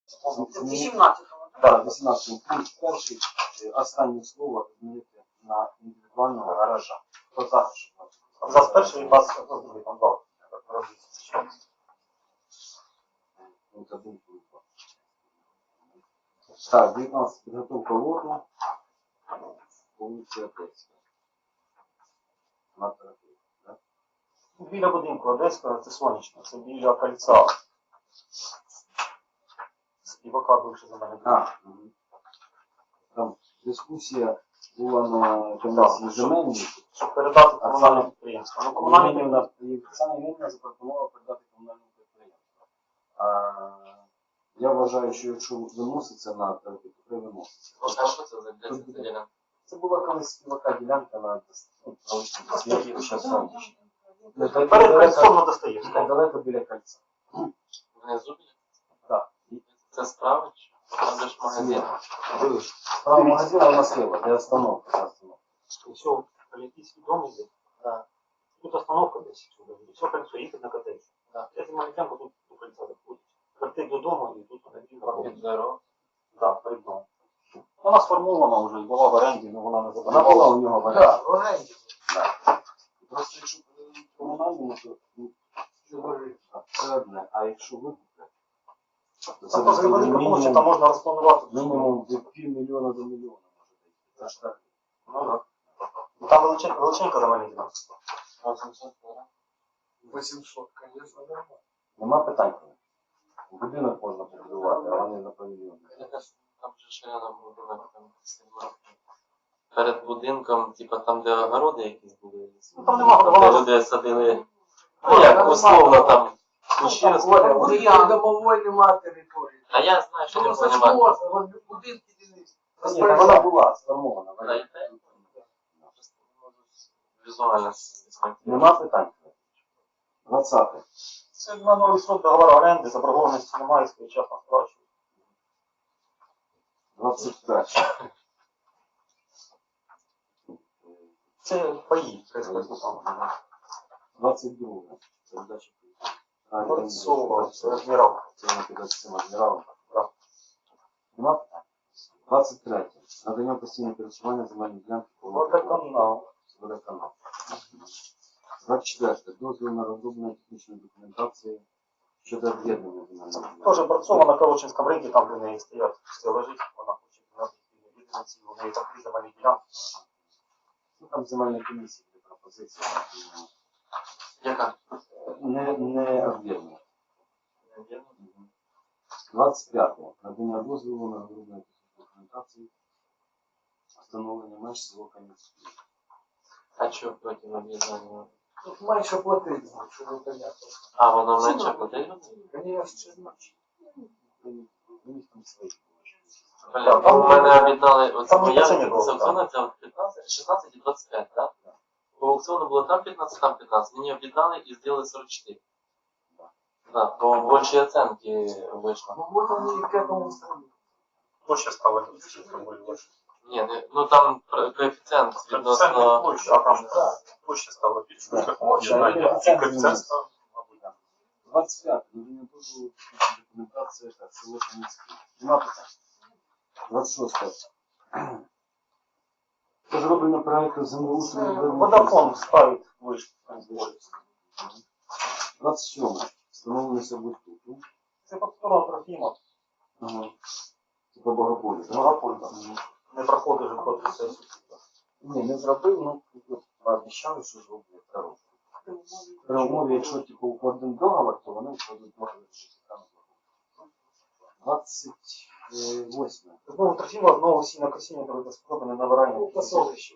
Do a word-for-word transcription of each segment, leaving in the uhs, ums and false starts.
вісімнадцятого. Так, вісімнадцятий пункт перший. Останнє слово змінити на індивідуального гаража. Хто за? За перший і двадцять другий там два. Так, дев'ятнадцять. Підготовка лоту. Вулиця Одеська. На терапію. Біля будинку Одеська, це сонячно, це біля кольця. Співака бивши за мене. А, там дискусія була на комісії земельній. Щоб передати комунальне підприємство. Ну, комунальне Комунальне Оксана Євгенівна запропонувала передати комунальному підприємству. А, я вважаю, що якщо виноситься на терапію, то треба виноситься. А що це за ділянка? Це була колись співака ділянка на світі ще сонячні. перед кольцом на Достоєвському. Далеко біля кольця. Внизу? Так. Це справа чи? Там же ж магазин. Дивись, справа магазина у нас слева, де остановка. Все, Олімпійський дом йде. Так. Тут остановка десь. Все кольцо, їхати на котедж. Так. Я знімаю тему, тут до кольця заходить. Прийти додому і тут на дім. Під дорогу. Так, перед домом. Вона сформована вже і була в оренді, але вона не Вона була забрала. у нього в оренді. Так, в оренді. Просто якщо комунальному, то ну, це одне. А якщо викупити, то це Там просто велика площа, там можна розпланувати. мінімум від півмільйона до мільйона може бути. Це ж так. Ну, так. Ну, там величенька, величенька земельна ділянка. вісімсот, звісно, нормально. Нема питань. Будинок можна побудувати, а вони на павільйон. Там же ж рядом будинок, там сильно. Перед будинком, типа там, де огороди якісь були. Ну, там нема, Де вона люди садили. Ну як, условно там. Кущі У росли. них домової нема території. А я знаю, що не Ну, це ж розумію. можна, вон будинки дільниці. Ні, та вона була сформована. Та й те. Просто можу візуально зіснити. Нема питань. двадцятий. це на новий срок договору оренди, заборгованості немає, своєчасно сплачують. двадцять перший. Це паї, це двадцять другий. Передача. Борцова, це адмірал. Це не під цим адміралом. Так. Нема питань. двадцять третє. Надання постійного користування земельної ділянки по Водоканал. водоканалу. двадцять четверте. Дозвіл на розроблення технічної документації щодо об'єднання земельної ділянки. Теж Борцова на Калочинському ринку, там де в неї стоять, все лежить, вона хоче на відповідниці, у неї там три земельні ділянки. Ну, там земельна комісія для пропозиції. Яка? Не, не об'єднання. двадцять п'яте. Надання дозволу на розроблення технічної документації встановлення меж село Кам'янське. А що потім об'єднання? Тут менше платити, що ви понятно. А, воно менше платить? Конечно, значить. У них там свої. Бля, у мене об'єднали, оце там моя це не було, це аукціону, це от п'ятнадцять, шістнадцять і двадцять п'ять, так? По аукціону було там п'ятнадцять, там п'ятнадцять. Мені об'єднали і зробили сорок чотири. Да, по большій оценці вийшло. Ну вот они к этому стремятся. Площа стала більше, більше. Ні, не, ну там про- коефіцієнт Це відносно... площа, а там площа стала більше. Так. Об'єднання. І коефіцієнт став, мабуть, так. двадцять п'яте. Надання дозволу технічної документації та село Кам'янське. Нема питань. двадцять шосте. Розроблення проекту землеустрою. Водофон ставить вишку. двадцять сьоме. Встановлення сервітуту. Це по сторону Трофіма. Ага. Це по Богополю, так? Монополь, так. Не проходить же проти сесії. Ні, не зробив, ну, пообіцяли, що зроблять дорогу. При умові, якщо типу укладемо договор, то вони вкладуть договор, що там зроблять. двадцять восьме. Знову Трофіма, знову сінокосіння, коли спробане набирання. Ну, посолище.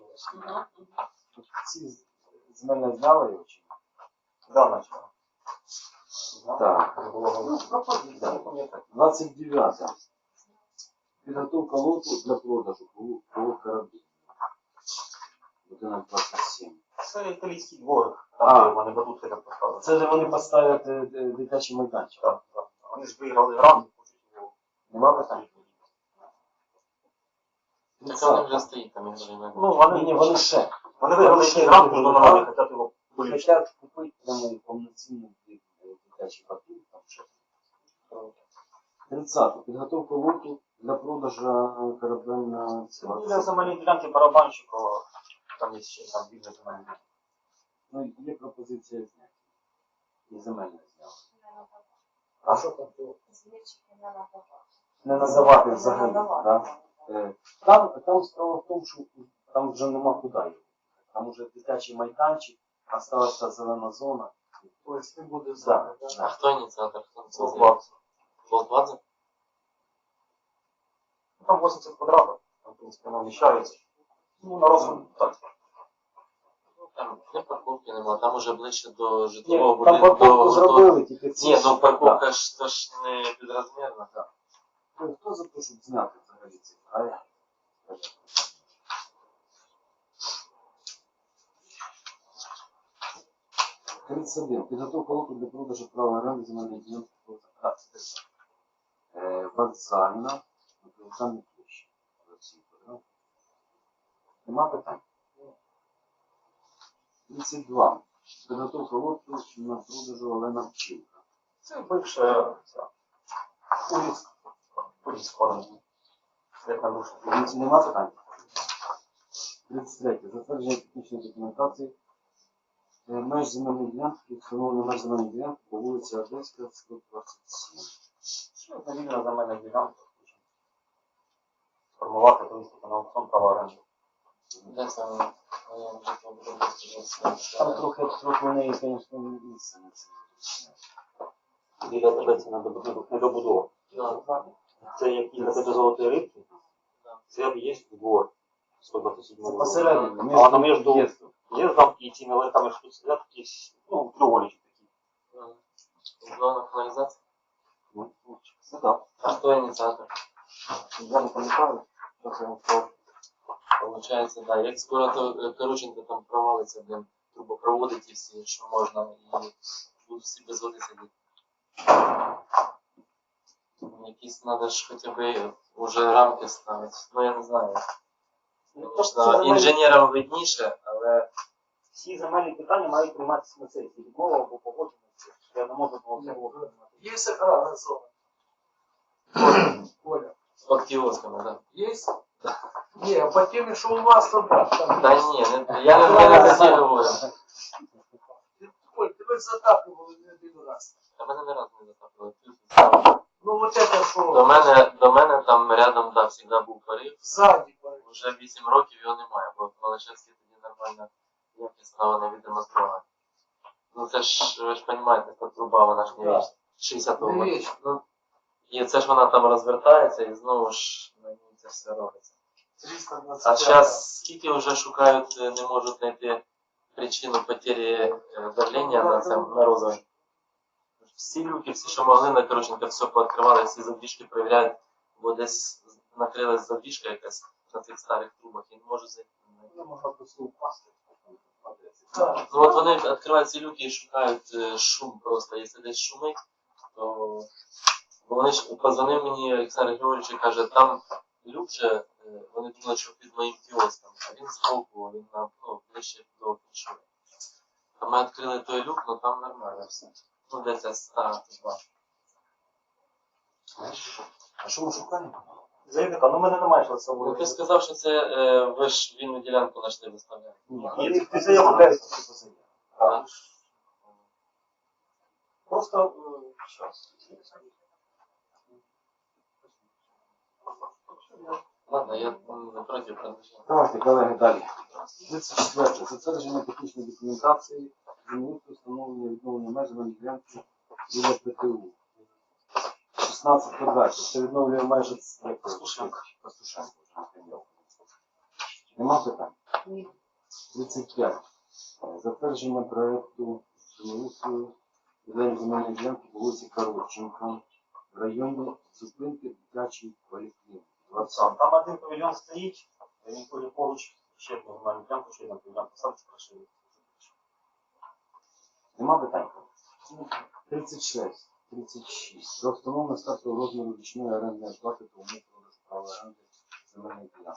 Ці з мене знали його чи ні? Да, начало. Так. Було Пропозиція. да. Не пам'ятаю. двадцять дев'яте. Підготовка лоту для продажу коло корабель. Будинок двадцять сім. Це італійський дворик, А. там де вони батути так поставили. Це ж вони поставлять е, е, дитячий майданчик. Так, так. Вони ж виграли грант, хочуть його. Нема питань? Так воно вже стоїть там, якщо не Ну, Ні, вони, ні, вони ще. вони виграли якийсь грант, міжнародний, хочуть його поліпшити. Хотять купити прямо повноцінний дитячий батут, там ще. тридцяте. Підготовка лоту для продажу корабельного Це біля земельної ділянки барабанщикова, там є ще там біля земельної ділянки. Ну, є пропозиція зняти. І земельне зняли. А що там то? Звідчики не надавати. Не називати Не взагалі. надавати. Да? Е, Там, там справа в тому, що там вже нема куди його. Там вже дитячий майданчик, осталася зелена зона. Тобто не буде Да, зараз, А да? хто ініціатор? Хто це зробив? Волквадзе. Волквадзе? Ну, там вісімдесят квадратів, там, в принципі, воно вміщається. Ну, на розсуд, так. Там не парковки нема, там уже ближче до Ні, житлового там будинку. парковку до- зробили, тільки ці. Ні, ну Да. парковка ж то ж не підрозмірна. Ну, хто за те, щоб зняти взагалі ці края? тридцять один. Підготовка лоту для продажу права оренди земельної ділянки по тридцять. Е, Вокзальна, вокзальна площа. Олексій Петро. Нема питань? тридцять два. Підготовка лоту на продажу Олена Вчинка. Це бивша ця уліц, уліц формі. Як на душу. Нема питань? тридцять три. Затвердження технічної документації. Е, Меж земельної ділянки, встановлена меж земельної ділянки по вулиці Одеська, сто двадцять сім. Що це вільна земельна ділянка? Сформувати, повістити на аукціон права оренди. Де саме? Моє житлове будинку. Там трохи, трохи в неї, звісно, місце не це. Біля тебе це недобудова. Да. Це як біля тебе золотої рибки, Да. це є двор. сто двадцять сім. Це посередині, А воно між в'їздом. в'їздом і цими ларьками, що тут сидять, такі, ну, треугольнички такі. Мгм. Зона каналізації. Ну, це так. А хто ініціатор? Я не пам'ятаю, що це вам сказав. Получається, да. Як скоро то Короченко там провалиться, блін, трубопроводи ті всі, що можна, і будуть всі без води сидіти. Якісь треба ж хоча б уже рамки ставити. Ну я не знаю. Ну, просто Звісно, ці земельні- інженерам видніше, але Всі земельні питання мають прийматися на сесії. Відмова або погодження. Я не можу було всього приймати. Є охранна зона. Оля, під кіосками, так. є? Ні, а по темі, що у вас там, там. Та ні, не, я не, я не за це говорю. Оль, тебе ж затаплювали не один раз. Та мене не разу не затаплювали. Ну вот это До що, мене, до мене там рядом, да, завжди був порив. ззаді пари. Вже вісім років його немає, бо Малишевський тоді нормально ніякі справи не відремонтували. Ну це ж, ви ж розумієте, та труба, вона ж не Да. вічна. шістдесятого Не року. вічна. Ну, і це ж вона там розвертається і знову ж на ній це все робиться. триста двадцять А п'ять. зараз скільки вже шукають, е, не можуть знайти причину потері е, давлення на цьому на розові. Всі люки, всі, що могли, на Короченка все пооткривали, всі задвіжки перевіряють, бо десь накрилась задвіжка якась на цих старих трубах і не можуть зайти. Ну, можна просто впасти. Так. Ну от вони відкривають ці люки і шукають е, шум просто. Якщо десь шумить, то бо вони ж позвонив мені Олександр Григорович і каже, там люк же, е, вони думали, що під моїм кіоском, а він збоку, він на, ну, ближче до фіншури. А ми відкрили той люк, ну там нормально все. Ну де ця стара труба. А що ми шукаємо? Заявника, ну мене немає що це Ну ти сказав, що це е, ви ж вільну ділянку знайшли виставляти. Ні, Ні, ти ти заяву дай. Так. Просто е, щас. Ладно, я м, не проти продовження. Давайте, колеги, далі. тридцять четверте. Затвердження технічної документації, землеустрою встановлення відновлення меж земельної ділянки біля ПТУ. шістнадцять квадратів. Це відновлює майже як Пастушенко. Пастушенко вже не прийняв. Нема питань? тридцять п'ять. Затвердження проєкту землеустрою відновлення земельної ділянки по вулиці Коротченка в районі зупинки дитячої поліклініки. Сам. Там один павільйон стоїть, він коли поруч ще одну нормальну плямку, ще один павільйон поставить, прошили. Нема питань? тридцять шість. тридцять шість. Про встановлення стартового розміру річної орендної плати та умов продажу права оренди земельної ділянки.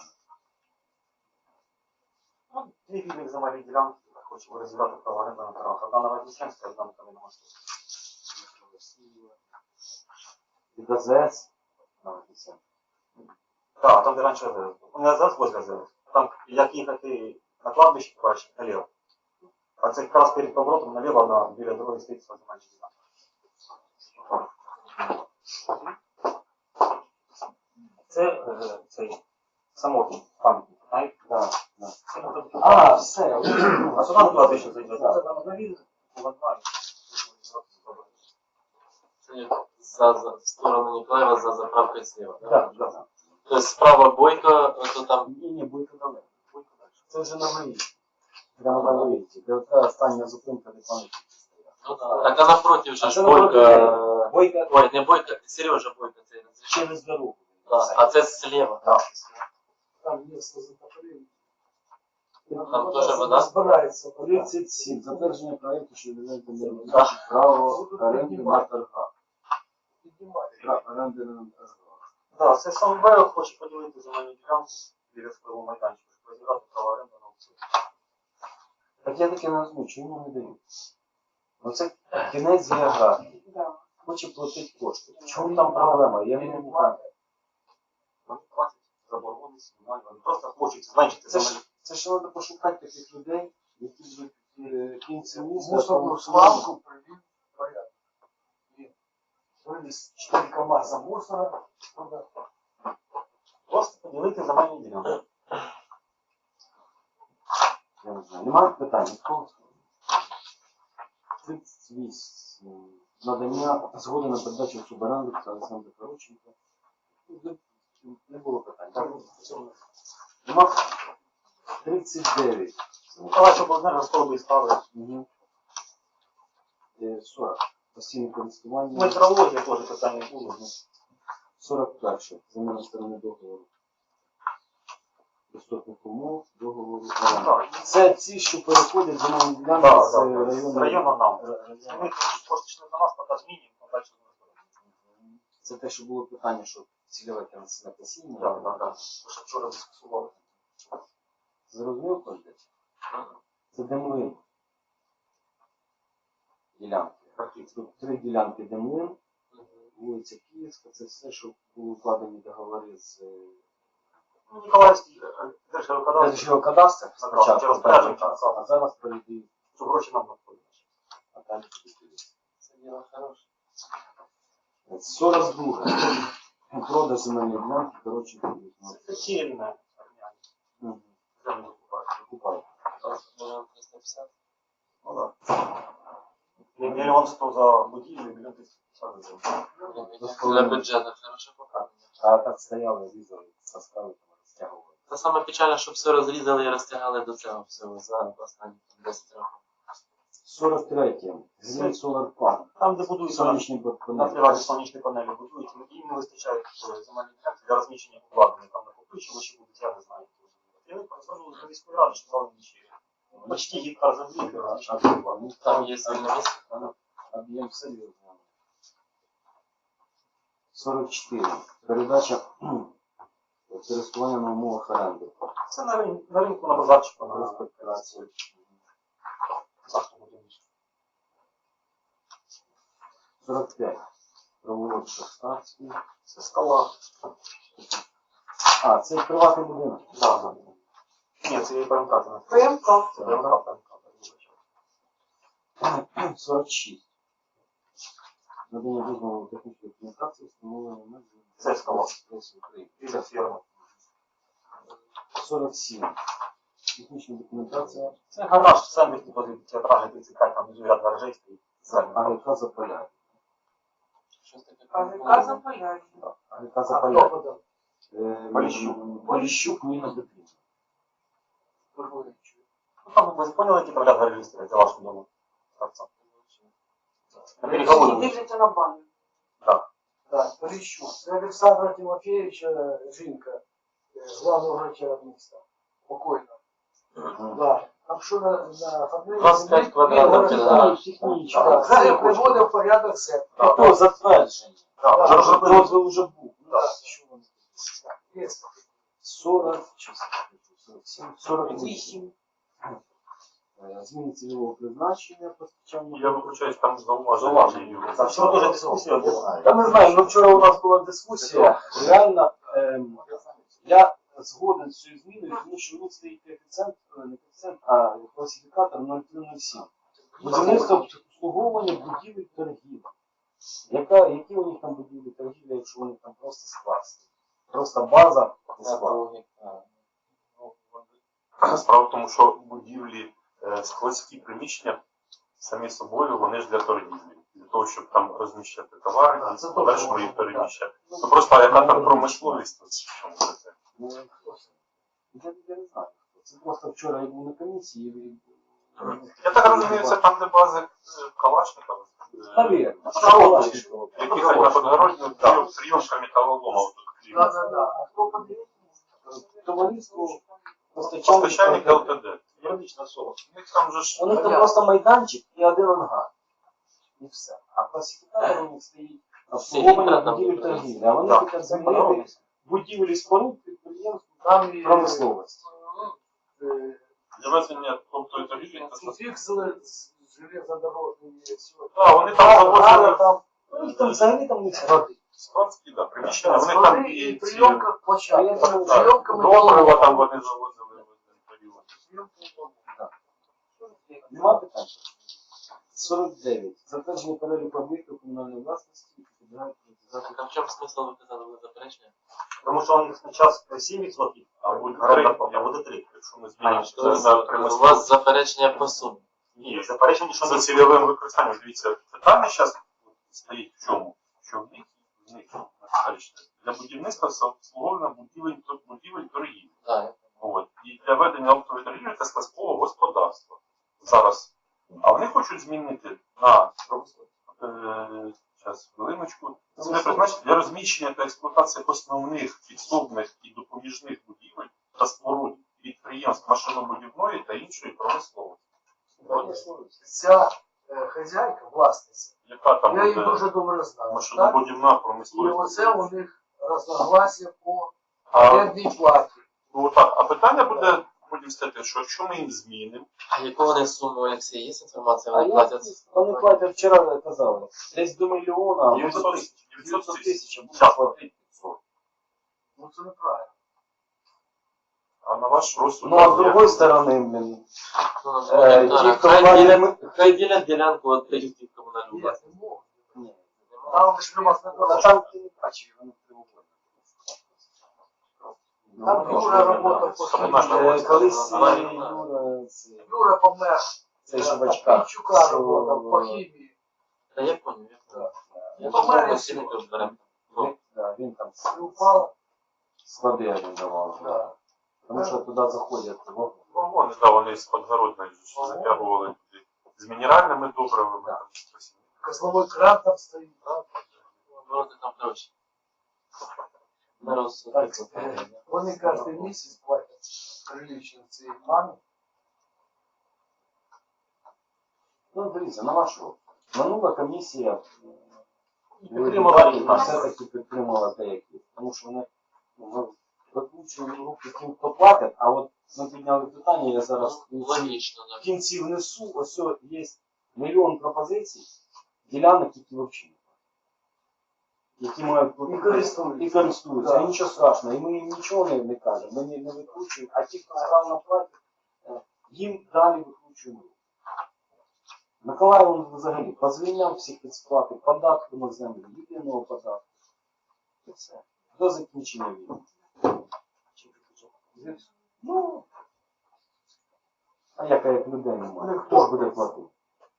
Ну, дві вільних земельні ділянки, хочемо розділяти права оренди на правах. Одна на Вознесенська, одна на Кам'яноморській. від АЗС на вулиці. Так, там де раніше АЗС був. У мене АЗС возле АЗС. Там як їхати на кладбище, бачиш, наліво. А це якраз перед поворотом наліво на біля дороги стоїть земельна ділянка. Це е, цей самотній пам'ятник, знаєте? Да, да. Це може бути. А, все. А сюди на кладбище зайде. Да. Це там навіть владна. Це як за, за, в сторону Ніколаєва за заправкою сліва. Да? Так, так. Тобто справа Бойко, то там Ні, ні, Бойко далеко. Бойко далі. Це вже на виїзді. Прямо на виїзді. Де ота остання зупинка, де пам'ятники стоять. ну, да. Так, а напротив же А ж це Бойко. напротив. Бойко Ой, не Бойко, Сережа Бойко, це розрішив. через дорогу. Да. А це слева. Так. Там місто затоплення. Там теж вода? Збирається. тридцять сім. Затвердження проєкту, що відповідає до Да. право оренди на торгах. Піднімати. Право оренди на торгах. Так, це сам Бейл хоче поділити земельну ділянку біля свого майданчика, щоб розіграти право оренди на аукціоні. Так я таки не розумію, чому йому не дають? Оце кінець географії. Да. Хоче платити кошти. В чому там проблема? Я не можу. Вони платять заборгованість, немає, вони просто хочуть зменшити Це земельну. ж, це ж треба пошукати таких людей, які будуть е, кінці міста. Мусорну свалку привів в порядок. І вивіз чотири КАМАЗа мусора. туди. Просто поділити земельну ділянку. Я не знаю. Немає питань? Нікого? тридцять вісім. Надання згоди на передачу суборенду та Олександра Короченка. Не було питань. Так? Нема? тридцять дев'ять. Миколаївич обладнання розкладу ставили. Угу. сорок. Постійне користування. Метрологія теж питання було. сорок перше. Заміна сторони договору. Доступних умов, договору. Так. Це ці, що переходять за новим ділянком Так, з так, району. з району нам. району. Ми кошти йшли на нас, поки змінюємо, а далі не розберемося. Це те, що було питання, що цільове кінцеве посіння. Так, так, так. Що вчора дискусували. Зрозумів кожен? Це демлин. Ділянки. Тут три ділянки демлин, вулиця Київська, це все, що були вкладені договори з Ну, Ніколаївський держгеокадастр, Державного кадастру Так, спочатку, через розпорядження, так, так. а зараз перейдуть, що гроші нам надходять. а далі буде. Це діло хороше. сорок два. Продаж земельної ділянки, коротше, Це котельне. ну, Землю купають. купають. Мільйон триста п'ятдесят. Ну, так. Мільйон сто за будівлю, мільйон триста п'ятдесят за землю. Для бюджету хороше показано. А так стояли, різали, составили, там, розтягували. Це саме печальне, щоб все розрізали і розтягали до цього всього за останні десять років. сорок третє. Грін Solar Park. Там, де будуються на Сонячні на панелі. приваті сонячні панелі будують, їм не вистачає е, земельних ділянок для розміщення обладнання. Там накопичувачі будуть, я не знаю. І вони звернулися до міської ради, що дали нічі. Почти гектар землі для розміщення обладнання. Там є вільне місце. Об'єм серйозний. сорок чотири. Передача користування на умовах оренди. Це на, рин- на ринку, на базарчику, на Респектацію. автомобілі. сорок п'ять. Провулок Шахтарський. Це скала. А, це приватний будинок. Да, да. Ні, це ПМК. Це не ПМК. Це ПМК, ПМК. сорок шість. Надання дозволу технічної документації встановлення меж Це скала. Лесі України. І за фірма. сорок сім. Технічна документація. Це гараж в центрі, типу, театральний тридцять п'ять, там внизу ряд гаражей стоїть. АГК Заполяр'я. Щось таке. АГК Заполяр'я. АГК А хто Заполяр'я. подав? Е, Поліщук. Поліщук Ніна Петрівна. Виходить. Ну, там ви поняли, які там ряд гаражей стоять за вашим домом? Торця. На переговорі. Дивляться на баню. Так. Так, Поліщук. Це Олександра Тимофійовича жінка, е, главного врача міста. Покойна. Да. Там що на, на фабриці... двадцять п'ять квадратних кілометрів. Технічно. Так, це приводив в порядок сектор. Так, Хто затвердження? так. Так, Вже розробили. Дозвіл вже був. Так. Що вони? Є. сорок, чи сорок сім, сорок вісім. Вісім. Е, Зміни цільового призначення постачання. Я виключаюсь, там зауваження. Зауваження. Там вчора теж дискусія була. Я не знаю, ну вчора у нас була дискусія. Реально, ем, я згоден з цією зміною, тому що в них стоїть коефіцієнт, е, не коефіцієнт, а класифікатор нуль три нуль сім. Будівництво обслуговування будівель торгівлі. Яка, які у них там будівлі торгівлі, якщо у них там просто склад? Просто база і склад. Справа в тому, що будівлі, е, складські приміщення самі собою, вони ж для торгівлі. Для того, щоб там розміщати товари, Так, і це в подальшому точно, їх переміщати. Ну, Ну просто а яка там промисловість? от в чому це? Ну, я, я не знаю. Це просто вчора я був на комісії. І... Я так розумію, це там, де бази е, Калашникова. е, Навірно. Школа, які хоч на Подгородню, прийом- прийомка металолома. отут, Да, да, да. А хто подивиться? Товариство постачальник Постачальник ЛТД. юридична особа. У них там же ж У них там Понятно. просто майданчик і один ангар. І все. А класифікатор у них стоїть обслуговування Там будівель буде. торгівлі. А вони Да. хочуть замінити будівлі споруд підприємств Там і промисловості. е, для ведення тобто і торгівлі. і фіксили з железнодорожної всього. Так, вони там завозили там, у них там взагалі там не склади. складські, да, приміщення, вони там Склади і і ці прийомка площадка. Прийомка, так, Прийомка добрива там вони завозили в один період. Нема питань? сорок дев'ять. Затвердження переліку об'єктів комунальної власності, які підлягають приватизації. А в чому смисл виказати ви заперечення? Тому що у них спочатку сім відсотків, а буде три, а буде три, якщо ми змінимо То це есть, на у примисловість. вас заперечення по сумі. Ні, заперечення, що за цільовим використанням. Дивіться, питання зараз стоїть в чому? Що в них, в них бачите, для будівництва обслуговування будівель, будівель торгівлі. Так. От. І для ведення оптової торгівлі та складського господарства. Зараз. А вони хочуть змінити на е, зараз, хвилиночку. Це призначення для розміщення та експлуатації основних підсобних і допоміжних будівель та споруд підприємств машинобудівної та іншої промисловості. Ця е, хазяйка, власниця, Яка там я її буде дуже добре знаю. Так? машинобудівна І промисловість? оце у них розногласія по А, орендній платі. ну, так, а питання буде, будемо сказати, що якщо ми їм змінимо, А яку вони суму, Олексій, є інформація? А Вони я, платять? вони платять, вчора казали, десь до мільйона, а може дев'ятсот дев'ятсот тисяч, а буде Щас. платити п'ятсот. Ну це неправильно. а на ваш розсуд... Ну, а з є- другої сторони, блін, Ну, е, ну, ті, хто хай платять, ділять- Хай ділять ділянку від тих в комунальну Ні, власність. не можна. ні, Там ж нема а сказати. там ти не бачиш, вони прямоугольні. Там Ну, Юра робота по Комунальна Е, власність. Колись Вона- е, Юра, це, Юра помер. цей Шевачка, Пінчука робота по хімії. Та я поняв, я поняв. Я Ну, думаю, Марія ми цінники беремо. він, да, він там І упала. склади орендував. Да. Тому що туди заходять вагони. Ну, вони, да, вони з Подгородної ж затягували туди з мінеральними добривами. Да. Там, щось. Козловий кран там стоїть. Вороти там коротше. Народ Так, е, вони кожен місяць платять прилично цій мамі. Ну, дивіться, на вашу. Минула комісія Підтримала їх. все-таки підтримала деякі. Тому що вони ну, викручують руки тим, хто платить, а от ми підняли питання, я зараз в кінці, логічно, в так. кінці внесу, ось о, є мільйон пропозицій, ділянок, які взагалі не платять. Які мають І користуються. і користуються. Да. І нічого страшного. І ми їм нічого не, не кажемо, ми не, не викручуємо, а ті, хто справно платить, е, їм далі викручуємо руки. Миколаїв він взагалі позвільняв всіх від сплати податку на землю, єдиного податку. І все. До закінчення війни. Ну, а яка як людей немає? Хто ж буде платити?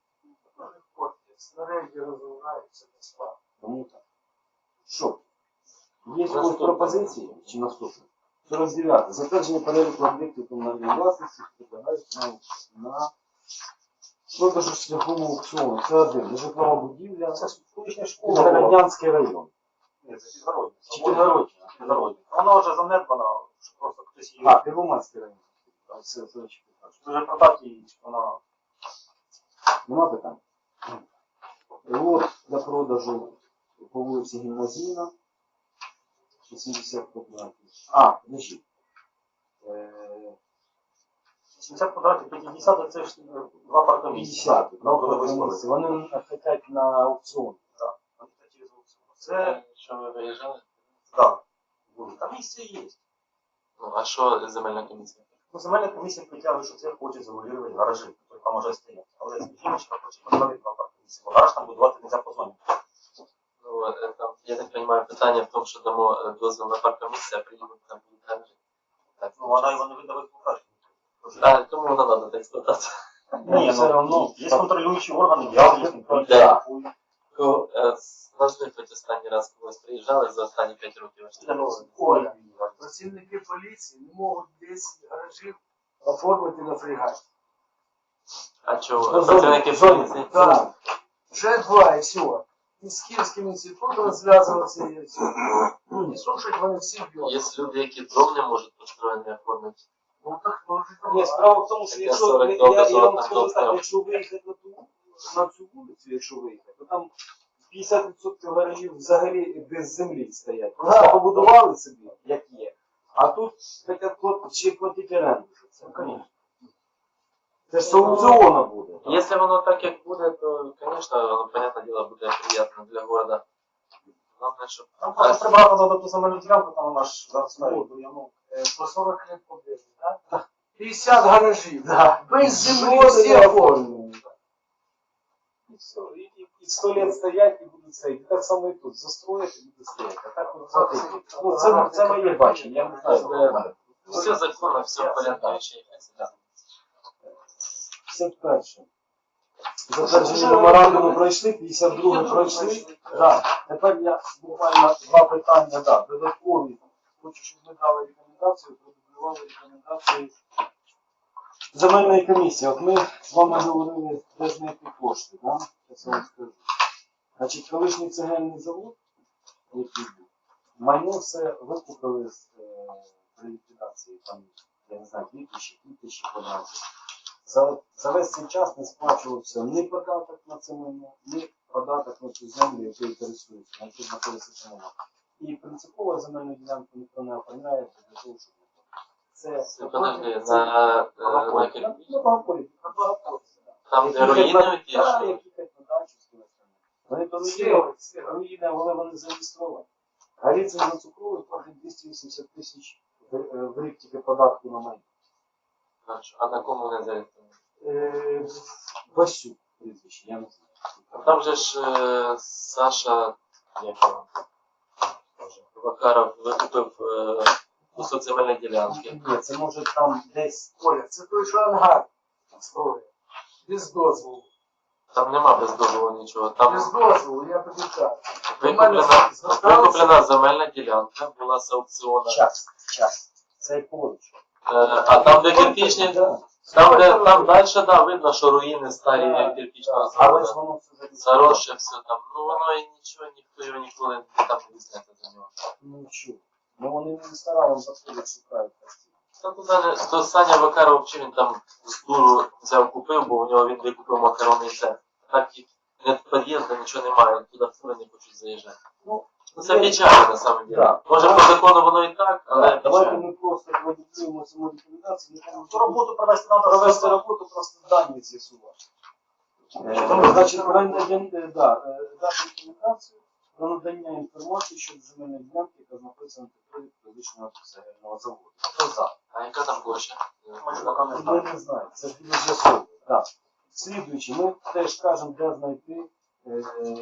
Снаряді розвиваються безплатно. Тому так. Що? Є якісь пропозиції чи наступне? сорок дев'яте. Затвердження переліку об'єктів комунальної власності підлягають на, на продажу шляхом аукціону. Це один. Житлова будівля. Це колишня школа. Городнянський район. Ні, це Підгородня. Чи Підгородня? Підгородня. Вона вже занедбана, що просто хтось її... А, Первомайський район. Так, Це, це очевидно. Дуже продав її, вона... Нема питань? Лот для продажу по вулиці Гімназійна. шістдесят квадратів. А, подожди. Е, сімдесят квадратів, п'ятдесят це ж два паркомісця. п'ятдесят. Ну, коли виставили. Вони хочуть на аукціон. Так, вони хочуть через аукціон. Це, Це що ви виїжджали? так, були. Там місце є. Ну, а що земельна комісія? Ну, земельна комісія притягує, що це хоче замулювати гаражі, які там може стояти. Але жіночка хоче поставити два паркомісця, бо гараж там будувати не можна по зоні. Ну, е, там, я так розумію, питання в тому, що дамо е, дозвіл на паркомісце, а приїдуть там будуть гаражі. Так, Ну, вона його не видає в експлуатацію. а кому вона треба так експлуатацію? Ні, все ну, равно. є контролюючі органи, я їх не Да. Ко- е, з- Назви хоч останній раз когось приїжджали за останні п'ять років. аж не було. Оля, працівники поліції не можуть десять гаражів оформити на фрегаті. А чого? Ну, Працівники зоні, поліції? Так, вже два і все. І з Київським інститутом зв'язуватися і все. І слушать вони всі б'ють. Є люди, які дом не можуть построєний оформити. Ну так теж Ні, справа в тому, що Таке якщо сорок я, добре, я, сорок вам там скажу добре. так, якщо виїхати на ту на цю вулицю, якщо виїхати, то там п'ятдесят відсотків гаражів взагалі без землі стоять. Просто Так. побудували собі, як є. А тут хочуть плат- ще платити оренду. за це. Конечно. Це ж з аукціону буде. Якщо воно так, як буде, то, звісно, воно, понятне діло, буде приємно для города. Головне, щоб... Там просто прибрати треба ту земельну ділянку, там вона ж заростає бур'яном. Е, по сорок лет побіжить, так? п'ятдесят гаражів. Да. Без землі Жоден всі не оформлені. оформлений. І все. І, і, і сто лет стоять і будуть стояти. Так само і тут. Застроїть і буде стояти. А так от це, ну, це, це моє бачення. Я не знаю, Це- що Все законно, все в порядку речей. п'ятдесят перше. Затвердження меморандуму пройшли, п'ятдесят друге пройшли. Да. Тепер я буквально два питання, да, додаткові. Хочу, щоб ви дали рекомендацію, продублювали рекомендації земельної комісії. От ми з вами говорили, де знайти кошти, да? Зараз я вам скажу. Значить, колишній цегельний завод, який був, майно все викупили з е, при ліквідації, там, я не знаю, дві тисячі, дві тисячі квадратів. За, за весь цей час не сплачувався ні податок на це майно, ні податок на цю землю, якою користується, на яку знаходиться це майно. І принципово земельну ділянку ніхто не оформляє для того, щоб не платити. Це Подожди, на, е, на, на кирпич? на Багаполі, на Багаполі. Там, де руїни ті, Так, що... які хоч на дачу з кимось там. Вони то руїни, Слева, слева. руїни, але вони зареєстровані. Галіцин за цукровий платить двісті вісімдесят тисяч в, е, в рік тільки податку на майно. Хорошо. А на кому не зареєстровано? Е, Васюк прізвище, я не знаю. Там же ж е, Саша, як його, Вакаров викупив е, кусок земельної ділянки. Ні, це може там десь. Оля, це той, що ангар строїть. Без дозволу. Там нема без дозволу нічого. Там Без дозволу, я тобі кажу. викуплена, викуплена земельна ділянка, була з аукціону. Час, час. Це поруч. Е, а там, де кирпічні, Да. там, де, там далі, да, видно, що руїни старі як кирпічного Але ж заводу. воно все зареєстровано. Заросше все там. Ну воно і нічого, ніхто його ніколи там не візьметься за нього. Ну чого? Ну вони не стараємо підходять, шукають постійно. Та туди не, то Саня Вакаров, чи він там з дуру взяв, купив, бо у нього він викупив макаронний цех. Так і нет під'їзду, нічого немає, туди в тури не хочуть заїжджати. Ну, Ну це печально на самом деле. Да. Може по закону воно і так, але Да, давайте печально. ми просто продублюємо саму рекомендацію, не Ту роботу провести треба провести роботу, просто дані з'ясувати. Е, Значить, оренда дін- е, да, е, дати рекомендацію про надання інформації щодо земельної ділянки, яка знаходиться на території фізичного цегельного заводу. Хто за? А яка там площа? Ми ж поки не Ми знаємо. не знаємо, це буде з'ясовувати. Так. Слідуючи, ми теж кажемо, де знайти е,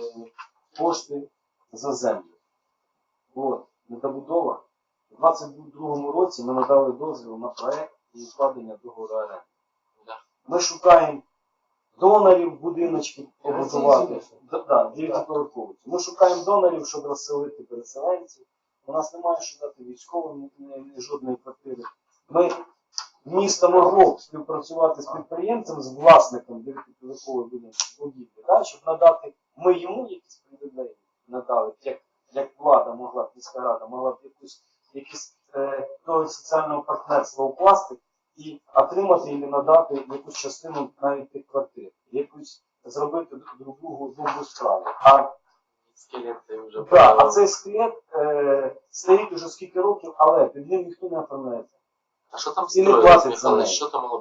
кошти за землю. От, недобудова. У двадцять другому році ми надали дозвіл на проект і укладення договору оренди. Да. Ми шукаємо донорів, будиночки побудувати. Да, да, дев'ятиповерховиці. Ми шукаємо донорів, щоб розселити переселенців. У нас немає що дати військовим ні- ні- ні жодної квартири. Ми місто могло б співпрацювати з підприємцем, з власником дев'ятиповерхової будівлі, да, щоб надати, ми йому якісь привілеї надали, як, як влада могла, міська рада могла б якусь, якісь е, до соціального партнерства укласти і отримати і надати якусь частину навіть тих квартир, якусь зробити друг другу добру справу. А Скелети вже Да, а цей скелет е, стоїть уже скільки років, але під ним ніхто не оформляється. А що там І не строїлось, платить за Михайло? неї. Що там могло бути?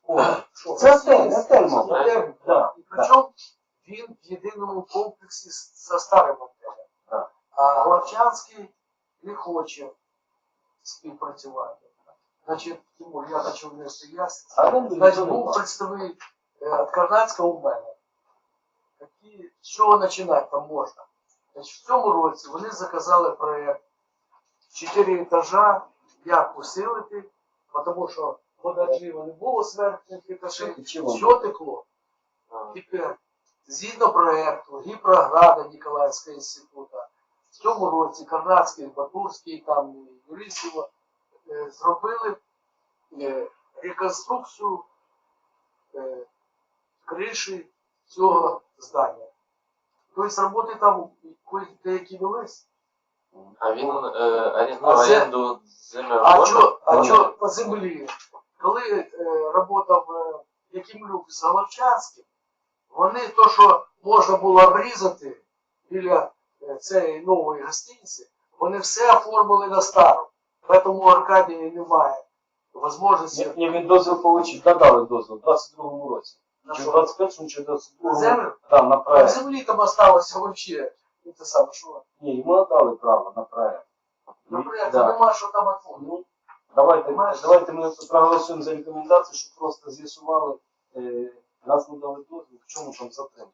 О, Що, це гостиниць, отель, отель, мабуть. готель. Да, І причому він в єдиному комплексі з- за старим отелем. Так. А Главчанський не хоче співпрацювати. Значить, Тимур, я хочу внести ясність. А він Значить, буде був представник е, від Карнацького у мене. Які, з чого починати там можна? Значить, в цьому році вони заказали проєкт чотири етажа, як усилити, тому що подажливо не було смертних етажів, Чого? все текло. Тепер, згідно проєкту, гіпрограда Ніколаївського інституту, в цьому році Карнацький, Батурський, там Юрісово е, зробили е, реконструкцію е, криші цього здання. Тобто роботи там деякі велись. А він е, орендує А це- оренду землю. А що а Ну, чо по землі? Коли е, працював е, Якимлюк з Головчанським, вони то, що можна було обрізати біля е, цієї нової гостиниці, вони все оформили на стару. Тому у Аркадії немає можливості Ні, він дозвіл получив, додали дозвіл в двадцять другому році. на Чи в що? двадцять першому, чи в двадцять На другому. землю. Так, на А проект. землі там осталося взагалі. Ну, те саме, що? Ні, йому надали право на проект. Наприклад, Да. нема що там оформити. Ну, давайте, Знаєш? давайте ми проголосуємо за рекомендацію, щоб просто з'ясували, е, раз ми дали дозвіл, в чому там затримка.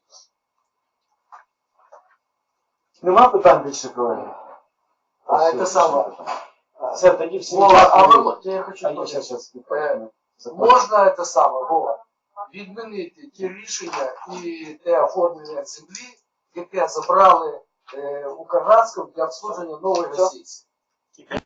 Нема питань більше, колеги? А Все, це більше саме. питань. Все, тоді всім Вова, а дякую. ви, я хочу А я сказати, зараз, Е, зараз. можна це саме, Вова, відмінити ті рішення і те оформлення землі, яке забрали е, у Карнацькому для обслудження нової гостиниці.